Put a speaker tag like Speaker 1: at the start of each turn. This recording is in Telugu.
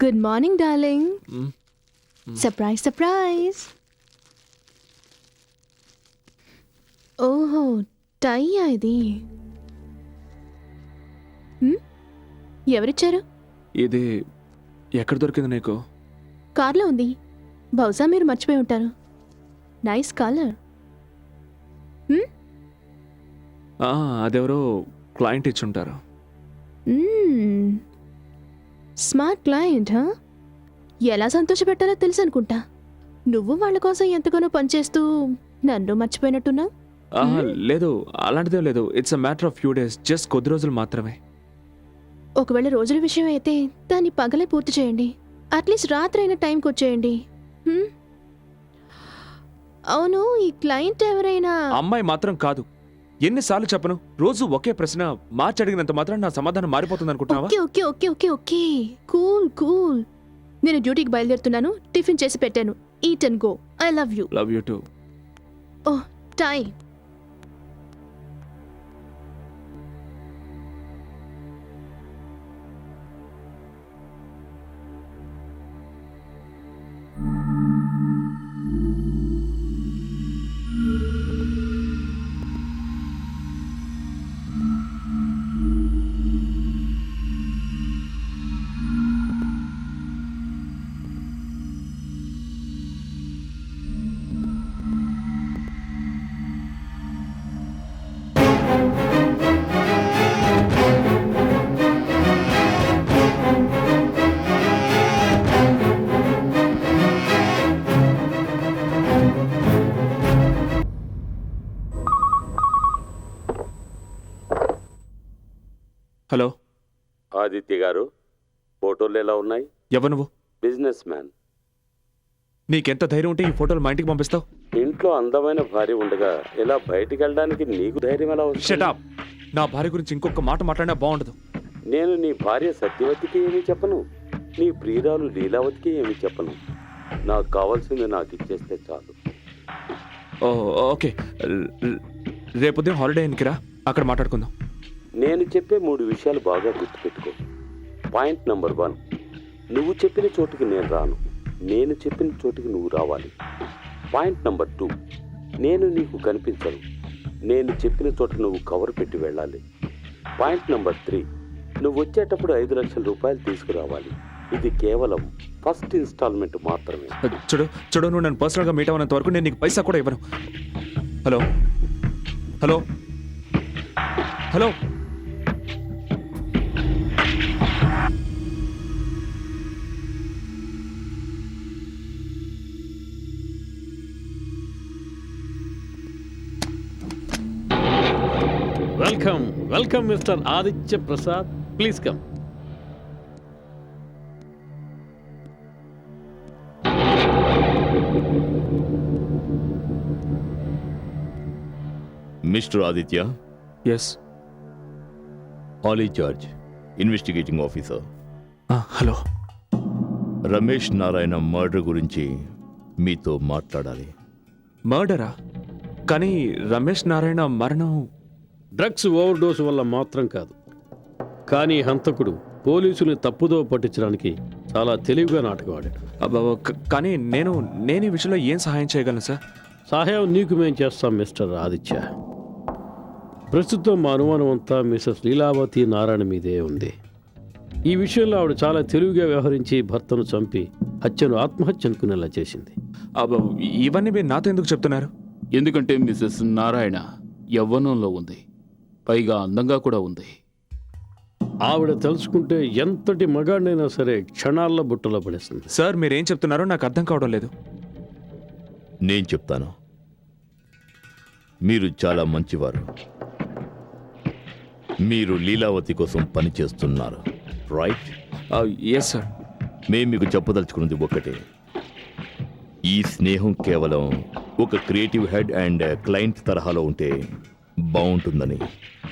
Speaker 1: Good morning darling. Surprise surprise. ఓహో, టైయా ఇది? ఎవరిచ్చారు?
Speaker 2: ఇది ఎక్కడ దొరికింది నీకు?
Speaker 1: కార్లో ఉంది. బహుశా మీరు మర్చిపోయి ఉంటారు. Nice colour.
Speaker 2: అదెవరో క్లయింట్ ఇచ్చుంటారు.
Speaker 1: Smart client. ఎలా సంతోషపెట్టాలో తెలుసు అనుకుంటా. నువ్వు వాళ్ళ కోసం ఎంతగానో పనిచేస్తూ నన్ను మర్చిపోయినట్టున్నావు.
Speaker 2: లేదు, అలాంటిదే లేదు. It's a matter of few days, just కొద్ది రోజులు మాత్రమే.
Speaker 1: ఒకవేళ రోజుల విషయం అయితే దాన్ని పగలే పూర్తి చేయండి. అట్లీస్ట్ రాత్రి అయిన టైంకి వచ్చేయండి. అవును, ఈ క్లయింట్ ఎవరైనా
Speaker 2: అమ్మాయి మాత్రం కాదు. ఎన్నిసార్లు చెప్పను, రోజు ఒకే ప్రశ్న మార్చి అడిగినంత మాత్రం నా సమాధానం మారిపోతుంది అనుకుంటున్నావా?
Speaker 1: Okay okay okay okay okay cool cool. నేను డ్యూటీకి బయలుదేరుతున్నాను. టిఫిన్ చేసి పెట్టాను. Eat and go. I love you.
Speaker 2: Love you too.
Speaker 1: Oh, time.
Speaker 2: Hello
Speaker 3: Aditya garu, ఫోటోలు ఎలా ఉన్నాయి?
Speaker 2: ఎవరు నువ్వు?
Speaker 3: Businessman.
Speaker 2: నీకెంత ధైర్యం ఉంటే ఈ ఫోటోలు మా ఇంటికి పంపిస్తావు?
Speaker 3: ఇంట్లో అందమైన భార్య ఉండగా ఇలా బయటికి వెళ్ళడానికి నీకు ధైర్యం ఎలా వస్తుంది?
Speaker 2: Shut up. నా భార్య గురించి ఇంకొక మాట మాట్లాడినా బాగుండదు.
Speaker 3: నేను నీ భార్య సత్యవతికి ఏమీ చెప్పను, నీ ప్రియురాలు లీలావతికి ఏమీ చెప్పను. నాకు కావాల్సింది నాకు ఇచ్చేస్తే చాలు.
Speaker 2: ఓకే, రేపు ఉదయం హాలిడే ఇన్కిరా, అక్కడ మాట్లాడుకుందాం.
Speaker 3: నేను చెప్పే 3 విషయాలు బాగా గుర్తుపెట్టుకో. పాయింట్ నెంబర్ 1, నువ్వు చెప్పిన చోటుకి నేను రాను, నేను చెప్పిన చోటుకి నువ్వు రావాలి. పాయింట్ నెంబర్ 2, నేను నీకు కనిపించను, నేను చెప్పిన చోట నువ్వు కవర్ పెట్టి వెళ్ళాలి. పాయింట్ నెంబర్ 3, నువ్వు వచ్చేటప్పుడు 5 లక్షల రూపాయలు తీసుకురావాలి. ఇది కేవలం ఫస్ట్ ఇన్స్టాల్మెంట్ మాత్రమే.
Speaker 2: చూడు, నువ్వు నన్ను పర్సనల్గా మీట్ అవ్వనంత వరకు నేను నీకు పైసా కూడా ఇవ్వను. Hello hello hello.
Speaker 4: Welcome, Mr. Aditya Prasad. Please come.
Speaker 5: Mr. Aditya?
Speaker 2: Yes.
Speaker 5: Ali George, Investigating Officer.
Speaker 2: Hello.
Speaker 5: Ramesh Narayana murder గురించి మీతో మాట్లాడాలి.
Speaker 2: మర్డరా? కానీ రమేష్ నారాయణ మరణం
Speaker 4: డ్రగ్స్ ఓవర్డోస్ వల్ల మాత్రం కాదు, కానీ హంతకుడు పోలీసుల్ని తప్పుదో పట్టించడానికి చాలా తెలివిగా నాటకం ఆడాడు.
Speaker 2: కానీ నేను ఈ విషయంలో ఏం సహాయం చేయగలను సార్?
Speaker 4: సహాయం నీకు మేం చేస్తాం మిస్టర్ ఆదిత్య. ప్రస్తుతం మా అనుమానం అంతా మిసెస్ లీలావతి నారాయణ మీదే ఉంది. ఈ విషయంలో ఆవిడ చాలా తెలివిగా వ్యవహరించి భర్తను చంపి హత్యను ఆత్మహత్య అనుకునేలా చేసింది.
Speaker 2: ఇవన్నీ మీరు నాతో ఎందుకు చెప్తున్నారు?
Speaker 6: ఎందుకంటే మిసెస్ నారాయణ యవ్వనంలో ఉంది, పైగా అందంగా కూడా ఉంది.
Speaker 4: ఆవిడ తెలుసుకుంటే ఎంతటి మగాడినైనా సరే క్షణాల్లో బుట్టలో పడేస్తుంది.
Speaker 2: సార్, మీరేం చెప్తున్నారో నాకు అర్థం కావడం లేదు.
Speaker 5: నేను చెప్తాను. మీరు చాలా మంచివారు. మీరు లీలావతి కోసం పనిచేస్తున్నారు, రైట్?
Speaker 2: Yes sir.
Speaker 5: మేము మీకు చెప్పదలుచుకున్నది ఒకటే. ఈ స్నేహం కేవలం ఒక క్రియేటివ్ హెడ్ అండ్ క్లయింట్ తరహాలో ఉంటే బాగుంటుందని.